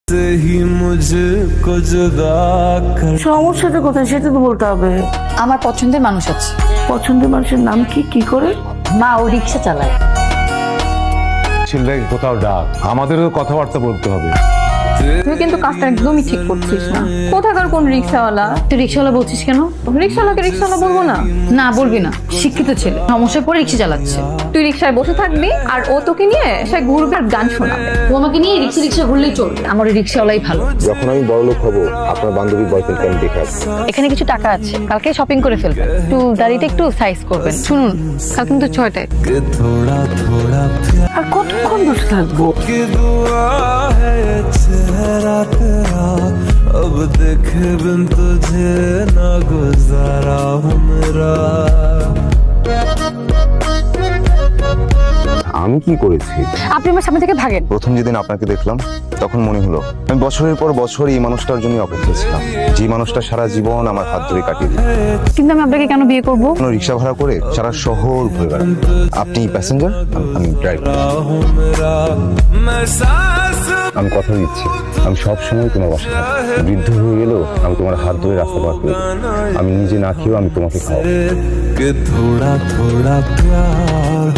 সমস্যাটা কোথায় সেটা তো বলতে হবে। আমার পছন্দের মানুষ আছে। পছন্দের মানুষের নাম কি? কি করে? মা ও রিক্সা চালায়। ছেলেকে কোথাও ডাক, আমাদেরও কথাবার্তা বলতে হবে। তুই কিন্তু কাজটা একদমই ঠিক করছিস না। কোথাকার কোন রিক্সাওয়ালা? তুই রিক্সাওয়ালা বলছিস কেন? রিক্সাওয়ালাকে রিক্সাওয়ালা বলবো না? না বলবি না, শিক্ষিত ছেলে, সমস্যায় পড়ে রিক্সা চালাচ্ছে। তুই রিক্সায় বসে থাকবি আর ও তোকে নিয়ে সে ঘুরবে আর গান শোনাবে। ও আমাকে নিয়ে রিক্সা রিক্সা ঘুরলেই চলবে, আমার ওই রিক্সাওয়ালাই ভালো। যখন আমি বড়লোক হব, আপনার বান্ধবীর বয়ফ্রেন্ডকে আমি দেখে আসবো। এখানে কিছু টাকা আছে, কালকে শপিং করে ফেলবেন। একটু দাড়িতে একটু সাইজ করবেন। শুনুন, কাল কিন্তু 6টায়। আর কতক্ষণ বসে থাকবো? अब देखे बिन तुझे ना गुजारा हूँ मेरा। আমি কি করেছি? আপনি আমার সামনে থেকে ভাগেন। প্রথম যেদিন আপনাকে দেখলাম তখন মনে হলো আমি বছরের পর বছর এই মানুষটার জন্য অপেক্ষা ছিলাম, যে মানুষটা সারা জীবন আমার হাত ধরে কাটিয়ে দিল। কিন্তু আমি আপনাকে কেন বিয়ে করব? কোনো রিক্সা ভাড়া করে সারা শহর ঘুরে বেড়ান। আপনি প্যাসেঞ্জার, আমি ড্রাইভার। আমি কথা দিচ্ছি, আমি সব সময় তোমার বাসায় থাকবো। বৃদ্ধ হয়ে গেলেও আমি তোমার হাত ধরে রাস্তা পার করে দেবো। আমি নিজে না খেয়েও আমি তোমাকে খাওয়াবো। थोड़ा थोड़ा प्यार